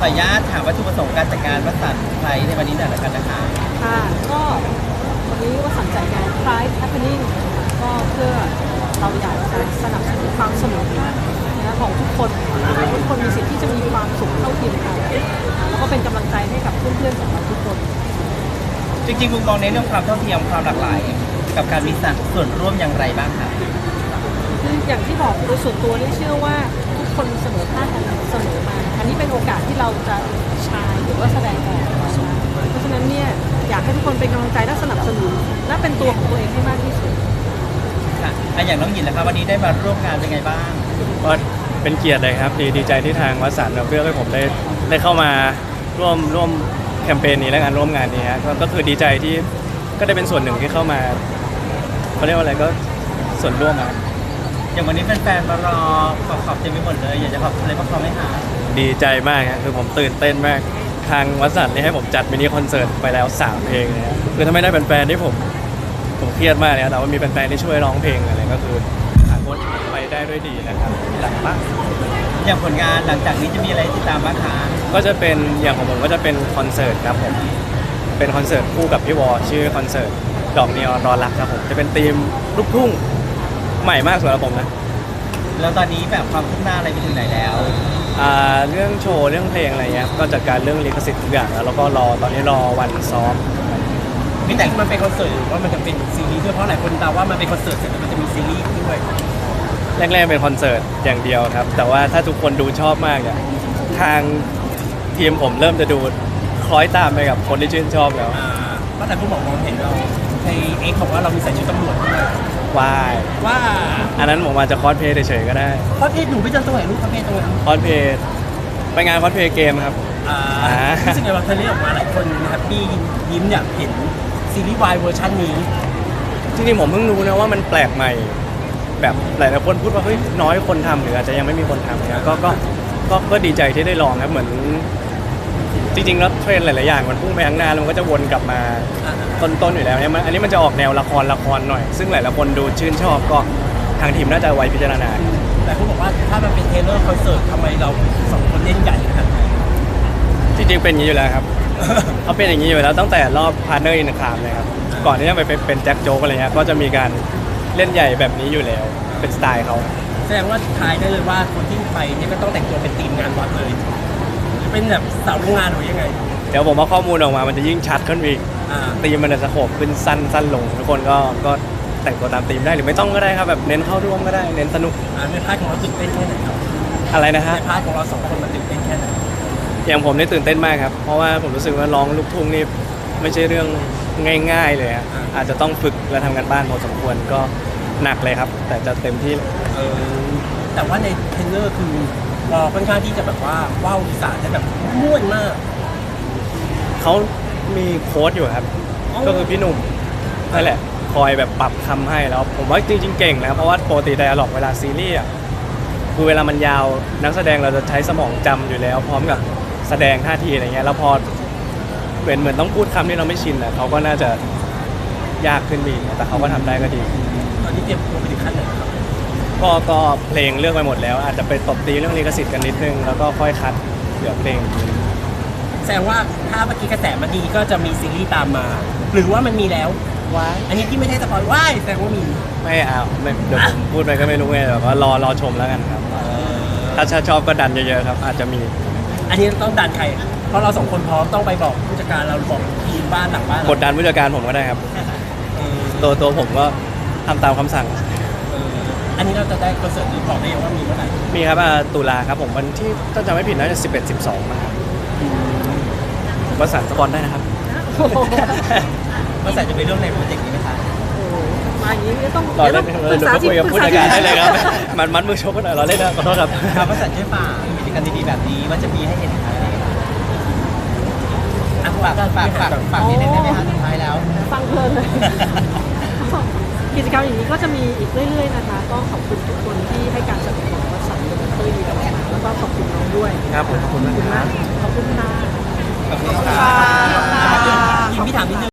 ออนุญาตถามวัตถุประสงค์การจัดการวสันต์ไพรส์ในวันนี้หน่อยละกันนะคะค่ะก็วันนี้วสันต์จัดงาน Pride Happening ก็เพื่อเราอยากจะสนับสนุนความเสมอภาคของทุกคนทุกคนมีสิทธิ์ที่จะมีความสุขเท่าเทียมกันแล้วก็เป็นกำลังใจให้กับเพื่อนๆของเราทุกคนจริงๆมุมมองในเรื่องความเท่าเทียมความหลากหลายกับการมีส่วนร่วมอย่างไรบ้างคะคืออย่างที่บอกโดยส่วนตัวนี่เชื่อว่าทุกคนเสมอภาคกันเสมอมาอันนี้เป็นโอกาสที่เราจะชายหรือว่าแสดงออกเพราะฉะนั้นเนี่ยอยากให้ทุกคนเป็นกำลังใจและสนับสนุนและเป็นตัวของตัวเองให้มากที่สุดค่ะอย่างน้องหยินนะครับวันนี้ได้มาร่วมงานเป็นไงบ้างก็เป็นเกียรติเลยครับดีใจที่ทางวสันต์เลือกให้ผมได้เข้ามาร่วมแคมเปญนี้และการร่วมงานนี้ฮะก็คือดีใจที่ก็ได้เป็นส่วนหนึ่งที่เข้ามาเขาเรียกว่าอะไรก็ส่วนร่วมอย่างวันนี้แฟนๆมารอขอบเต็มไปหมดเลยอยากจะขอบอะไรบ้างไหมคะดีใจมากครับคือผมตื่นเต้นมากทางวสันต์นี่ให้ผมจัดมินิคอนเสิร์ตไปแล้ว3เพลงเลยครับคือถ้าไม่ได้เป็นแฟนที่ผมเครียดมากเลยแต่ว่ามีแฟนๆที่ช่วยร้องเพลงอะไรก็คือผ่านพ้นไปได้ด้วยดีนะครับหลังมากอย่างผลงานหลังจากนี้จะมีอะไรติดตามบ้างคะก็จะเป็นอย่างของผมก็จะเป็นคอนเสิร์ตครับผมเป็นคอนเสิร์ตคู่กับพี่วอชื่อคอนเสิร์ตดอกนีออนรอรักครับผมจะเป็นธีมลูกทุ่งใหม่มากสำหรับผมนะแล้วตอนนี้แบบความคืบหน้าอะไรไปถึงไหนแล้วเรื่องโชว์เรื่องเพลงอะไรเงี้ยก็จัดการเรื่องลิขสิทธิ์ทุกอย่างแล้วก็ตอนนี้รอวันซ้อมนี่แต่มันเป็นคอนเสิร์ตหรือว่ามันจะเป็นซีรีส์ด้วยเพราะหลายคนเดาว่ามันเป็นคอนเสิร์ตเสร็จแล้วมันจะมีซีรีส์ด้วยแรกๆเป็นคอนเสิร์ตอย่างเดียวครับแต่ว่าถ้าทุกคนดูชอบมากเนี่ยทางทีมผมเริ่มจะดูคล้อยตามไปกับคนที่ชื่นชอบแล้วเพราะแต่ผู้บอกมองเห็นเราในเอ็กบอกว่าเรามีใส่ชุดตำรวจด้วยว่าอันนั้นผมอาจจะคอสเพลย์เฉยๆก็ได้คอสเพลย์หนูไปเจอตัวไหนรูปคอสเพลย์ตรงไหนคอสเพลย์ไปงานคอสเพลย์เกมครับรู้สึกไงว่าเธอเรียกออกมาหลายคนแฮปปี้ยิ้มอยากเห็นซีรีส์วายเวอร์ชันนี้จริงๆผมเพิ่งรู้นะว่ามันแปลกใหม่แบบหลายๆคนพูดว่าเฮ้ยน้อยคนทำหรืออาจจะยังไม่มีคนทำนะก็ดีใจที่ได้ลองครับเหมือนจริงๆแล้วเทรนด์หลายๆอย่างมันพุ่งไปข้างหน้าแล้วมันก็จะวนกลับมาต้นๆอยู่แล้วเนี่ยอันนี้มันจะออกแนวละครหน่อยซึ่งหลายๆคนดูชื่นชอบก็ทางทีมน่าจะไว้พิจารณาแต่คุณบอกว่าถ้ามันเป็นเทเลอร์คอนเสิร์ตทำไมเราสองคนเล่นใหญ่ขนาดนี้จริงๆเป็นอย่างนี้อยู่แล้วครับเขาเป็นอย่างนี้อยู่แล้วตั้งแต่รอบพาร์ทเนอร์อินคามเลยครับก่อนที่จะไปเป็นแจ็คโจ๊กอะไรเงี้ยก็จะมีการเล่นใหญ่แบบนี้อยู่แล้วเป็นสไตล์เขาแสดงว่าทายได้เลยว่าคนที่ไปนี่ก็ต้องแต่งตัวเป็นทีมงานวัดเลยเป็นแบบสาวโรงงานหรือยังไงเดี๋ยวผมเอาข้อมูลออกมามันจะยิ่งชัดขึ้นอีกธีมมันจะสโคปขึ้นสั้นลงทุกคนก็แต่งตัวตามธีมได้หรือไม่ต้องก็ได้ครับแบบเน้นเข้าร่วมก็ได้เน้นสนุกในพาร์ทของเราตื่นเต้นแค่ไหนครับอะไรนะฮะในพาร์ทของเรา2คนมันตื่นเต้นแค่ไหนอย่างผมนี่ตื่นเต้นมากครับเพราะว่าผมรู้สึกว่าร้องลูกทุ่งนี่ไม่ใช่เรื่องง่ายๆเลยอาจจะต้องฝึกและทำกันบ้านพอสมควรก็หนักเลยครับแต่จะเต็มที่แต่ว่าในเทรนเนอร์คือเราค่อนข้างที่จะแบบว่าว้าวอีสานได้แบบม่วนมากเขามีโค้ชอยู่ครับก็คือพี่หนุ่มนั่นแหละคอยแบบปรับคำให้แล้วผมว่าจริงๆเก่งนะเพราะว่าปกติไดอะล็อกเวลาซีรีส์คือเวลามันยาวนักแสดงเราจะใช้สมองจำอยู่แล้วพร้อมกับแสดงท่าทีอะไรเงี้ยแล้วพอเหมือนต้องพูดคำที่เราไม่ชินเขาก็น่าจะยากขึ้นอีกแต่เขาก็ทำได้ก็ดีตอนนี้เตรียมตัวไปถึงขั้นไหนครับก็เพลงเลือกไปหมดแล้วอาจจะไปตบตีเรื่องลิขสิทธิ์กันนิดนึงแล้วก็ค่อยคัดเหลือเพลงแสดงว่าถ้าเมื่อกี้กระแสมันดีก็จะมีซีรีส์ตามมาหรือว่ามันมีแล้วว้าอันนี้ที่ไม่ได้สปอยว้ายแสดงว่ามีไม่เอาเดี๋ยวพูดไปก็ไม่รู้ไงแต่ว่ารอชมแล้วกันครับถ้าชอบก็ดันเยอะๆครับอาจจะมีอันนี้ต้องดันใครเพราะเรา2คนพร้อมต้องไปบอกผู้จัดการเราบอกทีมบ้านหลังบ้านกดดันผู้จัดการผมก็ได้ครับตัวผมก็ทำตามคำสั่งอันนี้เราจะได้คอนเสิร์ตนี้บอกได้ยังว่ามีเมื่อไหร่มีครับตุลาครับผมวันที่ถ้าจำไม่ผิดน่าจะ11-12นะครับวสันต์สปอนได้นะครับวสันต์จะไปร่วมในโปรเจกต์นี้ไหมคะมาอย่างนี้ต้องรอเล่นเราคุยกับผู้จัดการได้เลยครับมัดมือชกกันหน่อยเราเล่นนะขอโทษครับวสันต์ช่วยฝากกิจกรรมดีๆแบบนี้ว่าจะมีให้เห็นอีกไหมฝากนิดนึงได้ไหมคะสุดท้ายแล้วฟังเพลินเลยกิจกรรมอย่างนี้ก็จะมีอีกเรื่อยๆนะคะก็ขอบคุณทุกคนที่ให้การสนับสนุนวสันต์เป็นที่ดีกับเราแล้วก็ขอบคุณน้องด้วยครับขอบคุณมากขอบคุณค่ะขอบคุณค่ะพี่ถามนิดนึง